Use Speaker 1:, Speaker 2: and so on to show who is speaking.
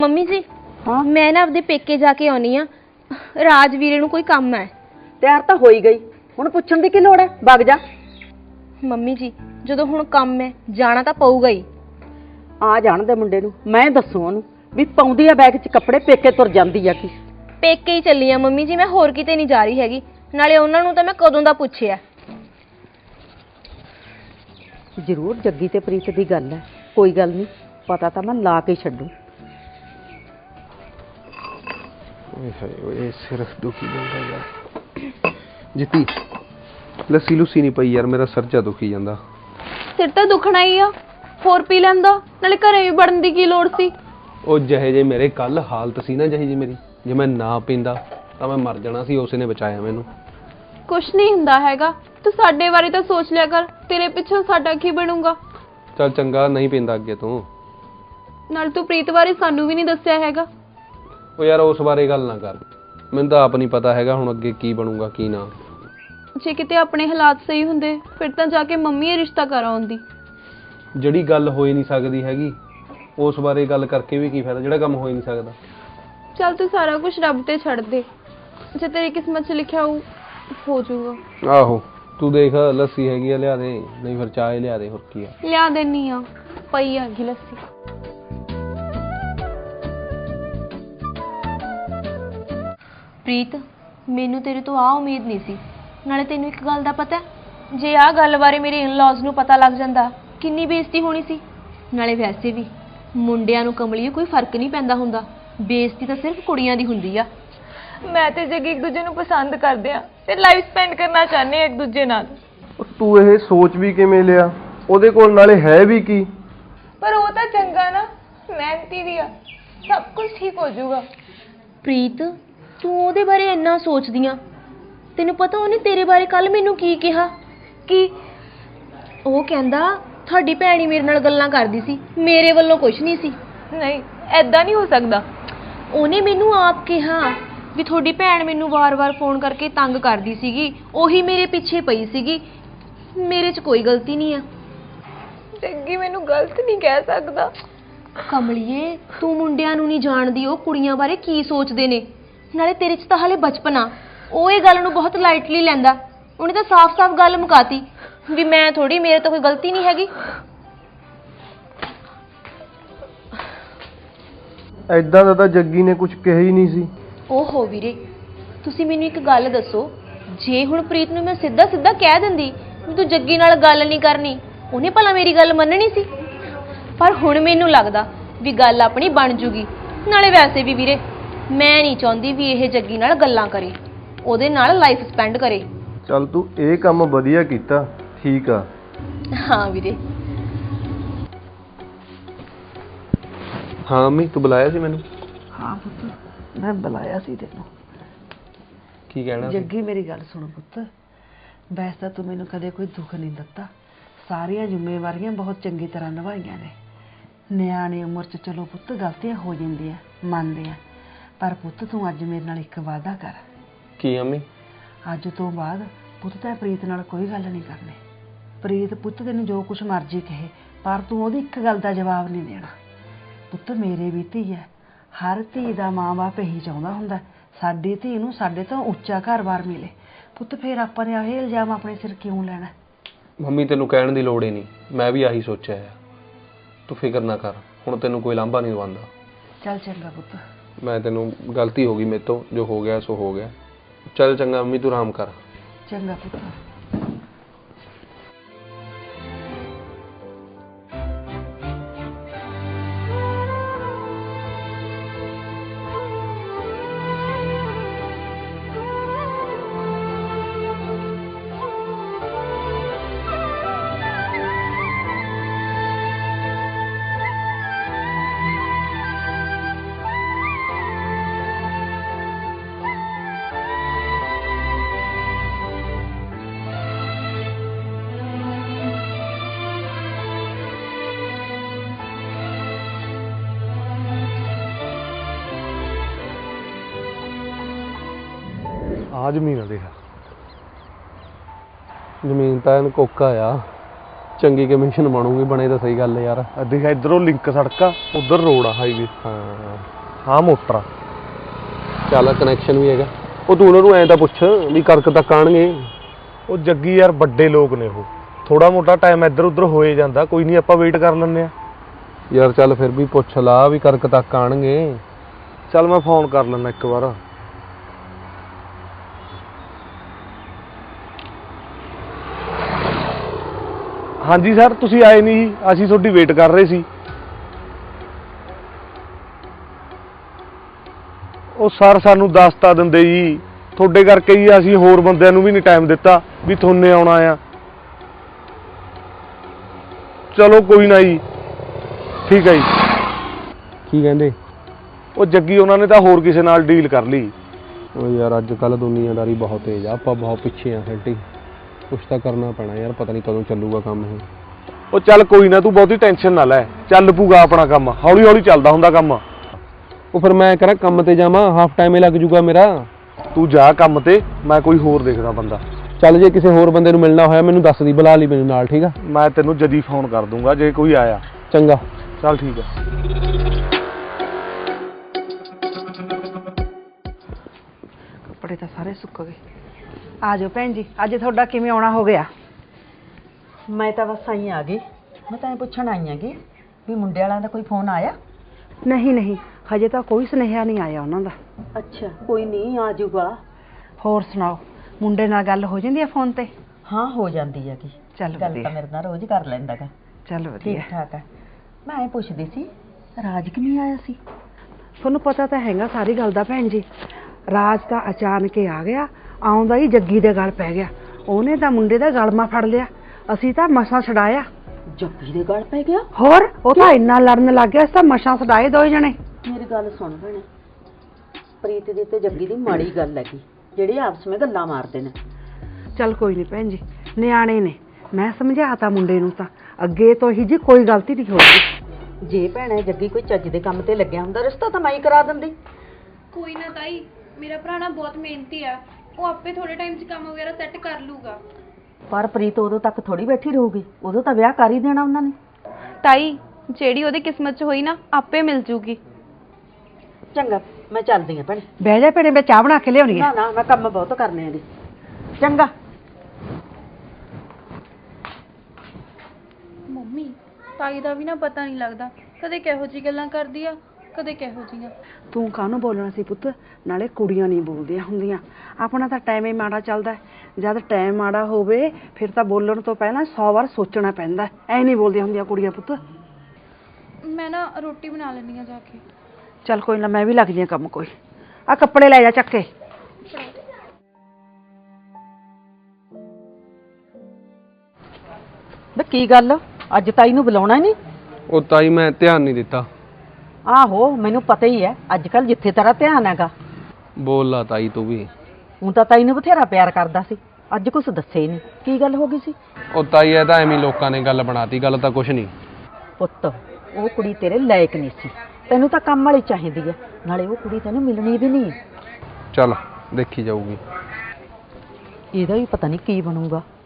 Speaker 1: Mummy ਜੀ
Speaker 2: ਹਾਂ
Speaker 1: ਮੈਂ ਨਾ ਆਪਦੇ ਪੇਕੇ ਜਾ ਕੇ ਆਉਣੀ ਆ। ਰਾਜਵੀਰੇ ਨੂੰ ਕੋਈ ਕੰਮ ਹੈ।
Speaker 2: ਤਿਆਰ ਤਾਂ ਹੋਈ ਗਈ, ਹੁਣ ਪੁੱਛਣ ਦੀ ਕੀ ਲੋੜ ਹੈ? ਵਗ ਜਾ।
Speaker 1: ਮੰਮੀ ਜੀ ਜਦੋਂ ਹੁਣ ਕੰਮ ਹੈ ਜਾਣਾ ਤਾਂ ਪਊਗਾ ਹੀ।
Speaker 2: ਆ ਜਾਣ ਦੇ ਮੁੰਡੇ ਨੂੰ, ਮੈਂ ਦੱਸੂ ਉਹਨੂੰ ਵੀ ਪਾਉਂਦੀ ਆ ਬੈਗ 'ਚ ਕੱਪੜੇ, ਪੇਕੇ ਤੁਰ ਜਾਂਦੀ ਆ ਕੀ।
Speaker 1: ਪੇਕੇ ਹੀ ਚੱਲੀ ਆ ਮੰਮੀ ਜੀ, ਮੈਂ ਹੋਰ ਕਿਤੇ ਨਹੀਂ ਜਾ ਰਹੀ ਹੈਗੀ। ਨਾਲੇ ਉਹਨਾਂ ਨੂੰ ਤਾਂ ਮੈਂ ਕਦੋਂ ਦਾ ਪੁੱਛਿਆ।
Speaker 2: ਜ਼ਰੂਰ ਜੱਗੀ ਤੇ ਪ੍ਰੀਤ ਦੀ ਗੱਲ ਹੈ, ਕੋਈ ਗੱਲ ਨਹੀਂ, ਪਤਾ ਤਾਂ ਮੈਂ ਲਾ ਕੇ ਛੱਡੂ।
Speaker 3: ਓਏ ਸਿਰ ਦੁਖੀ ਜਾਂਦਾ ਯਾਰ। ਜਿੱਤੀ ਲੱਸੀ ਲੁੱਸੀ ਨਹੀਂ ਪਈ ਯਾਰ, ਮੇਰਾ ਸਿਰ ਜਾ ਦੁਖੀ ਜਾਂਦਾ।
Speaker 1: ਸਿਰ ਤਾਂ ਦੁਖਣਾ ਹੀ ਆ, ਹੋਰ ਪੀ ਲੈਂਦਾ, ਨਾਲੇ ਘਰੇ ਵੀ ਵੜਨ ਦੀ ਕੀ ਲੋੜ ਸੀ।
Speaker 3: ਉਹ ਜਿਹੇ ਜੇ ਮੇਰੇ ਕੱਲ ਹਾਲਤ ਸੀ ਨਾ, ਜਿਹੀ ਜੀ ਮੇਰੀ, ਜੇ ਮੈਂ ਨਾ ਪੀਂਦਾ ਤਾਂ ਮੈਂ ਮਰ ਜਾਣਾ ਸੀ। ਉਸੇ ਨੇ ਬਚਾਇਆ ਮੈਨੂੰ।
Speaker 1: ਕੁਛ ਨਹੀਂ ਹੁੰਦਾ ਹੈਗਾ, ਤੂੰ ਸਾਡੇ ਬਾਰੇ ਤਾਂ ਸੋਚ ਲਿਆ ਕਰ। ਤੇਰੇ ਪਿੱਛੋਂ ਸਾਡਾ ਕੀ ਬਣੂਗਾ?
Speaker 3: ਚੱਲ ਚੰਗਾ, ਨਹੀਂ ਪੀਂਦਾ ਅੱਗੇ ਤੋਂ।
Speaker 1: ਨਾਲ ਤੂੰ ਪ੍ਰੀਤ ਬਾਰੇ ਸਾਨੂੰ ਵੀ ਨਹੀਂ ਦੱਸਿਆ ਹੈਗਾ।
Speaker 3: ਉਹ ਯਾਰ ਉਸ ਬਾਰੇ ਗੱਲ ਨਾ ਕਰ, ਮੈਨੂੰ ਤਾਂ ਆਪ ਨਹੀਂ ਪਤਾ ਹੈਗਾ ਹੁਣ ਅੱਗੇ ਕੀ ਬਣੂਗਾ ਕੀ ਨਾ।
Speaker 1: ਜੇ ਕਿਤੇ ਆਪਣੇ ਹਾਲਾਤ ਸਹੀ ਹੁੰਦੇ ਫਿਰ ਤਾਂ ਜਾ ਕੇ ਮੰਮੀ ਇਹ ਰਿਸ਼ਤਾ ਕਰਾਉਂਦੀ।
Speaker 3: ਜਿਹੜੀ ਗੱਲ ਹੋ ਹੀ ਨਹੀਂ ਸਕਦੀ ਹੈਗੀ, ਉਸ ਬਾਰੇ ਗੱਲ ਕਰਕੇ ਵੀ ਕੀ ਫਾਇਦਾ, ਜਿਹੜਾ ਕੰਮ ਹੋ ਹੀ ਨਹੀਂ ਸਕਦਾ।
Speaker 1: ਚੱਲ ਤੂੰ ਸਾਰਾ ਕੁਝ ਰੱਬ ਤੇ ਛੱਡ ਦੇ, ਜੇ ਤੇਰੀ ਕਿਸਮਤ 'ਚ ਲਿਖਿਆ ਹੋ ਜਾਊਗਾ।
Speaker 3: ਆਹੋ ਤੂੰ ਦੇਖ, ਲੱਸੀ ਹੈਗੀ ਆ ਲਿਆ ਦੇ, ਨਹੀਂ ਫਿਰ ਚਾਹ ਹੀ ਲਿਆ ਦੇ, ਹੋਰ ਕੀ ਆ।
Speaker 1: ਲਿਆ ਦੇਣੀ ਆ, ਪਈ ਹੈਗੀ ਲੱਸੀ। ਪ੍ਰੀਤ ਮੈਨੂੰ ਤੇਰੇ ਤੋਂ ਆ ਉਮੀਦ ਨਹੀਂ ਸੀ। ਨਾਲੇ ਤੈਨੂੰ ਇੱਕ ਗੱਲ ਦਾ ਪਤਾ, ਜੇ ਆਹ ਗੱਲ ਬਾਰੇ ਮੇਰੇ ਇਨ-ਲॉज ਨੂੰ ਪਤਾ ਲੱਗ ਜਾਂਦਾ ਕਿੰਨੀ ਬੇਇੱਜ਼ਤੀ ਹੋਣੀ ਸੀ। ਨਾਲੇ ਵੈਸੇ ਵੀ ਮੁੰਡਿਆਂ ਨੂੰ ਕਮਲੀਏ ਕੋਈ ਫਰਕ ਨਹੀਂ ਪੈਂਦਾ ਹੁੰਦਾ, ਬੇਇੱਜ਼ਤੀ ਤਾਂ ਸਿਰਫ ਕੁੜੀਆਂ ਦੀ ਹੁੰਦੀ ਆ। ਮੈਂ ਤੇ ਜੱਗੀ ਇੱਕ ਦੂਜੇ ਨੂੰ ਪਸੰਦ ਕਰਦੇ ਆ ਤੇ ਲਾਈਫ ਸਪੈਂਡ ਕਰਨਾ ਚਾਹੁੰਦੇ ਆ ਇੱਕ ਦੂਜੇ ਨਾਲ।
Speaker 4: ਤੂੰ ਇਹ ਸੋਚ ਵੀ ਕਿਵੇਂ ਲਿਆ? ਉਹਦੇ ਕੋਲ ਨਾਲੇ ਹੈ ਵੀ ਕੀ?
Speaker 1: ਪਰ ਉਹ ਤਾਂ ਚੰਗਾ ਨਾ, ਮਿਹਨਤੀ ਵੀ ਆ, ਸਭ ਕੁਝ ਠੀਕ ਹੋ ਜਾਊਗਾ। ਪ੍ਰੀਤ ਤੂੰ ਉਹਦੇ ਬਾਰੇ ਇੰਨਾ ਸੋਚਦੀ ਆ, ਤੈਨੂੰ ਪਤਾ ਉਹਨੇ ਤੇਰੇ ਬਾਰੇ ਕੱਲ ਮੈਨੂੰ ਕੀ ਕਿਹਾ? ਕਿ ਉਹ ਕਹਿੰਦਾ ਤੁਹਾਡੀ ਭੈਣੀ ਮੇਰੇ ਨਾਲ ਗੱਲਾਂ ਕਰਦੀ ਸੀ, ਮੇਰੇ ਵੱਲੋਂ ਕੁਝ ਨਹੀਂ ਸੀ। ਨਹੀਂ ਐਦਾਂ ਨਹੀਂ ਹੋ ਸਕਦਾ। ਉਹਨੇ ਮੈਨੂੰ ਆਪ ਕਿਹਾ ਵੀ ਤੁਹਾਡੀ ਭੈਣ ਮੈਨੂੰ ਵਾਰ-ਵਾਰ ਫੋਨ ਕਰਕੇ ਤੰਗ ਕਰਦੀ ਸੀਗੀ, ਉਹੀ ਮੇਰੇ ਪਿੱਛੇ ਪਈ ਸੀਗੀ, ਮੇਰੇ 'ਚ ਕੋਈ ਗਲਤੀ ਨਹੀਂ ਆ। ਜੱਗੀ ਮੈਨੂੰ ਗਲਤ ਨਹੀਂ ਕਹਿ ਸਕਦਾ। ਕਮਲੀਏ ਤੂੰ ਮੁੰਡਿਆਂ ਨੂੰ ਨਹੀਂ ਜਾਣਦੀ ਉਹ ਕੁੜੀਆਂ ਬਾਰੇ ਕੀ ਸੋਚਦੇ ਨੇ। ਨਾਲੇ ਤੇਰੇ 'ਚ ਤਾਂ ਹਾਲੇ ਬਚਪਨ ਆ, ਉਹ ਇਹ ਗੱਲ ਨੂੰ ਬਹੁਤ ਲਾਈਟਲੀ ਲੈਂਦਾ। ਉਹਨੇ ਤਾਂ ਸਾਫ਼-ਸਾਫ਼ ਗੱਲ ਮੁਕਾਤੀ ਵੀ ਮੈਂ ਥੋੜੀ, ਮੇਰੇ ਤੋਂ ਕੋਈ ਗਲਤੀ ਨਹੀਂ ਹੈਗੀ।
Speaker 4: ਐਦਾਂ ਦਾ ਤਾਂ ਜੱਗੀ ਨੇ ਕੁਝ ਕਿਹਾ ਹੀ ਨਹੀਂ ਸੀ।
Speaker 1: ਓਹੋ ਵੀਰੇ, ਤੁਸੀਂ ਮੈਨੂੰ ਇੱਕ ਗੱਲ ਦੱਸੋ, ਜੇ ਹੁਣ ਪ੍ਰੀਤ ਨੂੰ ਮੈਂ ਸਿੱਧਾ-ਸਿੱਧਾ ਕਹਿ ਦਿੰਦੀ ਵੀ ਤੂੰ ਜੱਗੀ ਨਾਲ ਗੱਲ ਨਹੀਂ ਕਰਨੀ, ਉਹਨੇ ਭਲਾ ਮੇਰੀ ਗੱਲ ਮੰਨਣੀ ਸੀ? ਪਰ ਹੁਣ ਮੈਨੂੰ ਲੱਗਦਾ ਵੀ ਗੱਲ ਆਪਣੀ ਬਣ ਜੂਗੀ। ਨਾਲੇ ਵੈਸੇ ਵੀ ਵੀਰੇ ਮੈਂ ਨਹੀਂ ਚਾਹੁੰਦੀ ਵੀ ਇਹ ਜੱਗੀ ਨਾਲ ਗੱਲਾਂ ਕਰੇ, ਉਹਦੇ ਨਾਲ ਲਾਈਫ ਸਪੈਂਡ ਕਰੇ।
Speaker 4: ਚੱਲ ਤੂੰ ਇਹ ਕੰਮ ਵਧੀਆ ਕੀਤਾ, ਠੀਕ ਆ।
Speaker 1: ਹਾਂ ਵੀਰੇ।
Speaker 3: ਹਾਂ ਮੰਮੀ, ਤੂੰ ਬੁਲਾਇਆ ਸੀ ਮੈਨੂੰ?
Speaker 2: ਹਾਂ ਪੁੱਤ, ਮੈਂ ਬੁਲਾਇਆ ਸੀ ਤੈਨੂੰ।
Speaker 3: ਕੀ ਕਹਿਣਾ ਸੀ?
Speaker 2: ਜੱਗੀ ਮੇਰੀ ਗੱਲ ਸੁਣ ਪੁੱਤ, ਵੈਸੇ ਤਾਂ ਤੂੰ ਮੈਨੂੰ ਕਦੇ ਕੋਈ ਦੁੱਖ ਨਹੀਂ ਦਿੱਤਾ, ਸਾਰੀਆਂ ਜ਼ਿੰਮੇਵਾਰੀਆਂ ਬਹੁਤ ਚੰਗੀ ਤਰ੍ਹਾਂ ਨਿਭਾਈਆਂ ਨੇ। ਨਿਆਣੀ ਉਮਰ 'ਚ ਚਲੋ ਪੁੱਤ ਗਲਤੀਆਂ ਹੋ ਜਾਂਦੀਆਂ, ਮੰਨਦੇ ਆ, ਪਰ ਪੁੱਤ ਤੂੰ ਅੱਜ ਮੇਰੇ ਨਾਲ ਇੱਕ ਵਾਅਦਾ ਕਰ।
Speaker 3: ਕੀ ਮੰਮੀ?
Speaker 2: ਅੱਜ ਤੋਂ ਬਾਅਦ ਪੁੱਤ ਤਾਂ ਪ੍ਰੀਤ ਨਾਲ ਕੋਈ ਗੱਲ ਨਹੀਂ ਕਰਨੀ। ਪ੍ਰੀਤ ਪੁੱਤ ਤੈਨੂੰ ਜੋ ਕੁਛ ਮਰਜ਼ੀ ਕਹੇ, ਪਰ ਤੂੰ ਉਹਦੀ ਇੱਕ ਗੱਲ ਦਾ ਜਵਾਬ ਨਹੀਂ ਦੇਣਾ। ਪੁੱਤ ਮੇਰੇ ਵੀ ਧੀ ਹੈ, ਹਰ ਧੀ ਦਾ ਮਾਂ-ਬਾਪ ਇਹੀ ਚਾਹੁੰਦਾ ਹੁੰਦਾ ਸਾਡੀ ਧੀ ਨੂੰ ਸਾਡੇ ਤੋਂ ਉੱਚਾ ਘਰ-ਬਾਰ ਮਿਲੇ। ਪੁੱਤ ਫਿਰ ਆਪਾਂ ਨੇ ਇਹ ਇਲਜ਼ਾਮ ਆਪਣੇ ਸਿਰ ਕਿਉਂ ਲੈਣਾ?
Speaker 3: ਮੰਮੀ ਤੈਨੂੰ ਕਹਿਣ ਦੀ ਲੋੜ ਹੀ ਨਹੀਂ, ਮੈਂ ਵੀ ਆਹੀ ਸੋਚਿਆ ਹੈ। ਤੂੰ ਫਿਕਰ ਨਾ ਕਰ, ਹੁਣ ਤੈਨੂੰ ਕੋਈ ਲਾਂਭਾ ਨਹੀਂ ਦਵਾਉਂਦਾ।
Speaker 2: ਚੱਲ ਚੰਗਾ ਪੁੱਤ।
Speaker 3: ਮੈਂ ਤੈਨੂੰ, ਗਲਤੀ ਹੋ ਗਈ ਮੇਰੇ ਤੋਂ, ਜੋ ਹੋ ਗਿਆ ਸੋ ਹੋ ਗਿਆ। ਚੱਲ ਚੰਗਾ ਮੰਮੀ, ਤੂੰ ਆਰਾਮ ਕਰ।
Speaker 2: ਚੰਗਾ ਪੁੱਤ।
Speaker 3: ਆ ਜ਼ਮੀਨ ਆ, ਦੇਖ ਜ਼ਮੀਨ ਤਾਂ ਇਹਨ ਕੋਕਾ ਆ, ਚੰਗੀ ਕਮਿਸ਼ਨ ਬਣੂਗੀ, ਬਣੇ ਤਾਂ ਸਹੀ ਗੱਲ ਯਾਰ।
Speaker 4: ਦੇਖ ਇਧਰੋਂ ਲਿੰਕ ਸੜਕਾ, ਉਧਰ ਰੋਡ ਆ ਹਾਈਵੇ,
Speaker 3: ਹਾਂ
Speaker 4: ਹਾਂ ਮੋਟਰ ਆ।
Speaker 3: ਚੱਲ ਕਨੈਕਸ਼ਨ ਵੀ ਹੈਗਾ। ਉਹ ਤੂੰ ਉਹਨਾਂ ਨੂੰ ਐਂ ਤਾਂ ਪੁੱਛ ਵੀ ਕਰਕ ਤੱਕ ਆਣਗੇ।
Speaker 4: ਉਹ ਜੱਗੀ ਯਾਰ ਵੱਡੇ ਲੋਕ ਨੇ ਉਹ, ਥੋੜਾ ਮੋਟਾ ਟਾਈਮ ਇੱਧਰ ਉੱਧਰ ਹੋਏ ਜਾਂਦਾ, ਕੋਈ ਨਹੀਂ ਆਪਾਂ ਵੇਟ ਕਰ ਲੈਂਦੇ ਆ।
Speaker 3: ਯਾਰ ਚੱਲ ਫਿਰ ਵੀ ਪੁੱਛ ਲਾ ਵੀ ਕਰਕ ਤੱਕ ਆਣਗੇ।
Speaker 4: ਚੱਲ ਮੈਂ ਫੋਨ ਕਰ ਲੈਂਦਾ ਇੱਕ ਵਾਰ। ਹਾਂਜੀ ਸਰ, ਤੁਸੀਂ ਆਏ ਨਹੀਂ ਜੀ, ਅਸੀਂ ਤੁਹਾਡੀ ਵੇਟ ਕਰ ਰਹੇ ਸੀ। ਉਹ ਸਰ ਸਾਨੂੰ ਦੱਸ ਤਾਂ ਦਿੰਦੇ ਜੀ, ਤੁਹਾਡੇ ਕਰਕੇ ਹੀ ਅਸੀਂ ਹੋਰ ਬੰਦਿਆਂ ਨੂੰ ਵੀ ਨਹੀਂ ਟਾਈਮ ਦਿੱਤਾ ਵੀ ਤੁਹਾਨੇ ਆਉਣਾ ਆ। ਚਲੋ ਕੋਈ ਨਾ ਜੀ, ਠੀਕ ਹੈ ਜੀ।
Speaker 3: ਕੀ ਕਹਿੰਦੇ?
Speaker 4: ਉਹ ਜੱਗੀ ਉਹਨਾਂ ਨੇ ਤਾਂ ਹੋਰ ਕਿਸੇ ਨਾਲ ਡੀਲ ਕਰ ਲਈ।
Speaker 3: ਉਹ ਯਾਰ ਅੱਜ ਕੱਲ ਦੁਨੀਆਦਾਰੀ ਬਹੁਤ ਤੇਜ਼ ਆ, ਆਪਾਂ ਬਹੁਤ ਪਿੱਛੇ ਆ ਖੇਡੀ। ਕੁਛ ਤਾਂ ਕਰਨਾ ਪੈਣਾ ਯਾਰ, ਪਤਾ ਨਹੀਂ ਕਦੋਂ ਚੱਲੂਗਾ ਕੰਮ ਇਹ।
Speaker 4: ਉਹ ਚੱਲ ਕੋਈ ਨਾ, ਤੂੰ ਬਹੁਤੀ ਟੈਨਸ਼ਨ ਨਾ ਲੈ, ਚੱਲ ਪੂਗਾ ਆਪਣਾ ਕੰਮ, ਹੌਲੀ ਹੌਲੀ ਚੱਲਦਾ ਹੁੰਦਾ ਕੰਮ।
Speaker 3: ਉਹ ਫਿਰ ਮੈਂ ਕਰਾਂ ਕੰਮ ਤੇ ਜਾਵਾਂ, ਹਾਫ ਟਾਈਮ ਹੀ ਲੱਗ ਜੂਗਾ ਮੇਰਾ।
Speaker 4: ਤੂੰ ਜਾ ਕੰਮ ਤੇ, ਮੈਂ ਕੋਈ ਹੋਰ ਦੇਖਦਾ ਬੰਦਾ।
Speaker 3: ਚੱਲ ਜੇ ਕਿਸੇ ਹੋਰ ਬੰਦੇ ਨੂੰ ਮਿਲਣਾ ਹੋਇਆ ਮੈਨੂੰ ਦੱਸ ਦੀ, ਬੁਲਾ ਲਈ ਮੈਨੂੰ ਨਾਲ, ਠੀਕ ਆ?
Speaker 4: ਮੈਂ ਤੈਨੂੰ ਜਦੀ ਫੋਨ ਕਰ ਦੂੰਗਾ ਜੇ ਕੋਈ ਆਇਆ।
Speaker 3: ਚੰਗਾ
Speaker 4: ਚੱਲ ਠੀਕ ਹੈ।
Speaker 2: ਕੱਪੜੇ ਤਾਂ ਸਾਰੇ ਸੁੱਕ ਗਏ। ਆ ਜਾਓ ਭੈਣ ਜੀ, ਅੱਜ ਤੁਹਾਡਾ ਕਿਵੇਂ ਆਉਣਾ ਹੋ ਗਿਆ?
Speaker 5: ਮੈਂ ਤਾਂ ਬਸ ਆਈ ਆ ਗਈ। ਮੈਂ ਤਾਂ ਇਹ ਪੁੱਛਣ ਆਈ ਆਂਗੀ ਵੀ ਮੁੰਡੇ ਵਾਲਿਆਂ ਦਾ ਕੋਈ ਫੋਨ ਆਇਆ?
Speaker 2: ਨਹੀਂ ਨਹੀਂ, ਹਜੇ ਤਾਂ ਕੋਈ ਸੁਨੇਹਾ ਨਹੀਂ ਆਇਆ ਉਹਨਾਂ ਦਾ।
Speaker 5: ਅੱਛਾ, ਕੋਈ ਨਹੀਂ, ਆ ਜਾਊਗਾ।
Speaker 2: ਹੋਰ ਸੁਣਾਓ, ਮੁੰਡੇ ਨਾਲ ਗੱਲ ਹੋ ਜਾਂਦੀ ਹੈ ਫੋਨ ਤੇ?
Speaker 5: ਹਾਂ, ਹੋ ਜਾਂਦੀ ਹੈਗੀ।
Speaker 2: ਚੱਲ
Speaker 5: ਗੱਲ
Speaker 2: ਵਧੀਆ।
Speaker 5: ਤਾਂ ਮੇਰੇ ਨਾਲ ਰੋਜ਼ ਕਰ ਲੈਂਦਾ ਗਾ।
Speaker 2: ਚੱਲ ਵਧੀਆ।
Speaker 5: ਠੀਕ ਠਾਕ ਹੈ। ਮੈਂ ਇਹ ਪੁੱਛਦੀ ਸੀ, ਰਾਜ ਕਿ ਨਹੀਂ ਆਇਆ ਸੀ?
Speaker 2: ਤੁਹਾਨੂੰ ਪਤਾ ਤਾਂ ਹੈਗਾ ਸਾਰੀ ਗੱਲ ਦਾ ਭੈਣ ਜੀ। ਰਾਜ ਤਾਂ ਅਚਾਨਕ ਹੀ ਆ ਗਿਆ, ਆਉਂਦਾ ਹੀ ਜੱਗੀ ਦੇ ਗਲ ਪੈ ਗਿਆ। ਉਹਨੇ ਤਾਂ ਮੁੰਡੇ ਦਾ ਗਲਮਾ ਫੜ ਲਿਆ, ਅਸੀਂ ਤਾਂ ਮਸਾਂ ਛਡਾਇਆ।
Speaker 5: ਜੱਗੀ ਦੇ ਗਲ ਪੈ ਗਿਆ?
Speaker 2: ਹੋਰ ਉਹ ਤਾਂ ਇੰਨਾ ਲੜਨ ਲੱਗ ਗਿਆ, ਅਸੀਂ ਤਾਂ ਮਸਾਂ ਛਡਾਏ ਦੋਏ ਜਣੇ।
Speaker 5: ਮੇਰੀ ਗੱਲ ਸੁਣ ਭੈਣੇ, ਪ੍ਰੀਤ ਦੀ ਤੇ ਜੱਗੀ ਦੀ ਮਾੜੀ ਗੱਲ ਹੈਗੀ, ਜਿਹੜੇ ਆਪਸ ਵਿੱਚ ਗੱਲਾਂ ਮਾਰਦੇ ਨੇ।
Speaker 2: ਚੱਲ ਕੋਈ ਨਹੀਂ ਭੈਣ ਜੀ, ਨਿਆਣੇ ਨੇ, ਮੈਂ ਸਮਝਾਤਾ ਮੁੰਡੇ ਨੂੰ ਤਾਂ, ਅੱਗੇ ਤੋਂ ਹੀ ਜੀ ਕੋਈ ਗਲਤੀ ਨਹੀਂ ਹੋਊਗੀ।
Speaker 5: ਜੇ ਭੈਣੇ ਜੱਗੀ ਕੋਈ ਚੱਜ ਦੇ ਕੰਮ ਤੇ ਲੱਗਿਆ ਹੁੰਦਾ, ਰਿਸ਼ਤਾ ਤਾਂ ਮੈਂ ਹੀ ਕਰਾ ਦਿੰਦੀ।
Speaker 1: ਕੋਈ ਨਾ ਤਾਈ, ਮੇਰਾ ਭਰਾ ਨਾ ਬਹੁਤ ਮਿਹਨਤੀ ਆ, ਉਹ ਆਪੇ ਥੋੜੇ ਟਾਈਮ 'ਚ ਕੰਮ ਵਗੈਰਾ ਸੈੱਟ ਕਰ ਲੂਗਾ।
Speaker 5: ਪਰ ਪ੍ਰੀਤ ਉਦੋਂ ਤੱਕ ਥੋੜੀ ਬੈਠੀ ਰਹੂਗੀ, ਉਦੋਂ ਤਾਂ ਵਿਆਹ ਕਰ ਹੀ ਦੇਣਾ ਉਹਨਾਂ ਨੇ।
Speaker 1: ਤਾਈ, ਜਿਹੜੀ ਉਹਦੀ ਕਿਸਮਤ 'ਚ ਹੋਈ ਨਾ, ਆਪੇ ਮਿਲ ਜੂਗੀ।
Speaker 5: ਚੰਗਾ, ਮੈਂ ਚੱਲਦੀ ਹਾਂ ਭੈਣੇ।
Speaker 2: ਬਹਿ ਜਾ ਭੈਣੇ, ਮੈਂ ਚਾਹ ਬਣਾ ਕੇ ਲਿਆਉਣੀ ਹੈ।
Speaker 5: ਨਾ ਨਾ, ਮੈਂ ਕੰਮ ਬਹੁਤ ਕਰਨੇ ਆ ਜੀ। ਚੰਗਾ।
Speaker 1: ਮੰਮੀ, ਤਾਈ ਦਾ ਵੀ ਨਾ ਪਤਾ ਨਹੀਂ ਲੱਗਦਾ, ਕਦੇ ਕਿਹੋ ਜਿਹੀ ਗੱਲਾਂ ਕਰਦੀ ਆ, ਕਦੇ ਕਿਹੋ ਜਿਹੀਆਂ।
Speaker 2: ਤੂੰ ਕਾਹਨੂੰ ਬੋਲਣਾ ਸੀ ਪੁੱਤ, ਨਾਲੇ ਕੁੜੀਆਂ ਨਹੀਂ ਬੋਲਦੀਆਂ ਹੁੰਦੀਆਂ। ਆਪਣਾ ਤਾਂ ਟਾਈਮ ਹੀ ਮਾੜਾ ਚੱਲਦਾ, ਜਦ ਟਾਈਮ ਮਾੜਾ ਹੋਵੇ ਫਿਰ ਤਾਂ ਬੋਲਣ ਤੋਂ ਪਹਿਲਾਂ 100 ਵਾਰ ਸੋਚਣਾ ਪੈਂਦਾ। ਐ ਨਹੀਂ ਬੋਲਦੀਆਂ ਹੁੰਦੀਆਂ ਕੁੜੀਆਂ ਪੁੱਤ।
Speaker 1: ਮੈਂ ਨਾ ਰੋਟੀ ਬਣਾ ਲੈਂਦੀ ਆ ਜਾ ਕੇ।
Speaker 2: ਚੱਲ ਕੋਈ ਨਾ, ਮੈਂ ਵੀ ਲੱਗਦੀ ਆ ਕੰਮ ਕੋਈ। ਆ ਕੱਪੜੇ ਲੈ ਜਾ ਚੱਕ ਕੇ।
Speaker 5: ਵੇ ਕੀ ਗੱਲ, ਅੱਜ ਤਾਈ ਨੂੰ ਬੁਲਾਉਣਾ ਨਹੀਂ?
Speaker 3: ਉਹ ਤਾਈ ਮੈਂ ਧਿਆਨ ਨਹੀਂ ਦਿੱਤਾ।
Speaker 5: ਆਹੋ, ਮੈਨੂੰ ਪਤਾ ਹੀ ਹੈ, ਅੱਜ ਕੱਲ ਜਿੱਥੇ ਤੇਰਾ ਧਿਆਨ ਹੈਗਾ।
Speaker 3: ਬੋਲ ਲਾ ਤਾਈ ਤੂੰ ਵੀ।
Speaker 5: ਹੁਣ ਤਾਂ ਤਾਈ ਨੂੰ ਬਥੇਰਾ ਪਿਆਰ ਕਰਦਾ ਸੀ, ਅੱਜ ਕੁਛ ਦੱਸੇ ਹੀ ਨਹੀਂ। ਕੀ ਗੱਲ ਹੋ ਗਈ ਸੀ?
Speaker 3: ਉਹ ਤਾਈ ਇਹ ਤਾਂ ਐਵੇਂ ਹੀ ਲੋਕਾਂ ਨੇ ਗੱਲ ਬਣਾਤੀ, ਗੱਲ ਤਾਂ ਕੁਛ ਨਹੀਂ।
Speaker 5: ਪੁੱਤ, ਉਹ ਕੁੜੀ ਤੇਰੇ ਲਾਇਕ ਨਹੀਂ ਸੀ, ਤੈਨੂੰ ਤਾਂ ਕੰਮ ਵਾਲੀ ਚਾਹੀਦੀ ਹੈ, ਨਾਲੇ ਉਹ ਕੁੜੀ ਤੈਨੂੰ ਮਿਲਣੀ ਵੀ ਨਹੀਂ।
Speaker 3: ਚੱਲ ਦੇਖੀ ਜਾਊਗੀ।
Speaker 5: ਇਹਦਾ ਵੀ ਪਤਾ ਨਹੀਂ ਕੀ ਬਣੂਗਾ।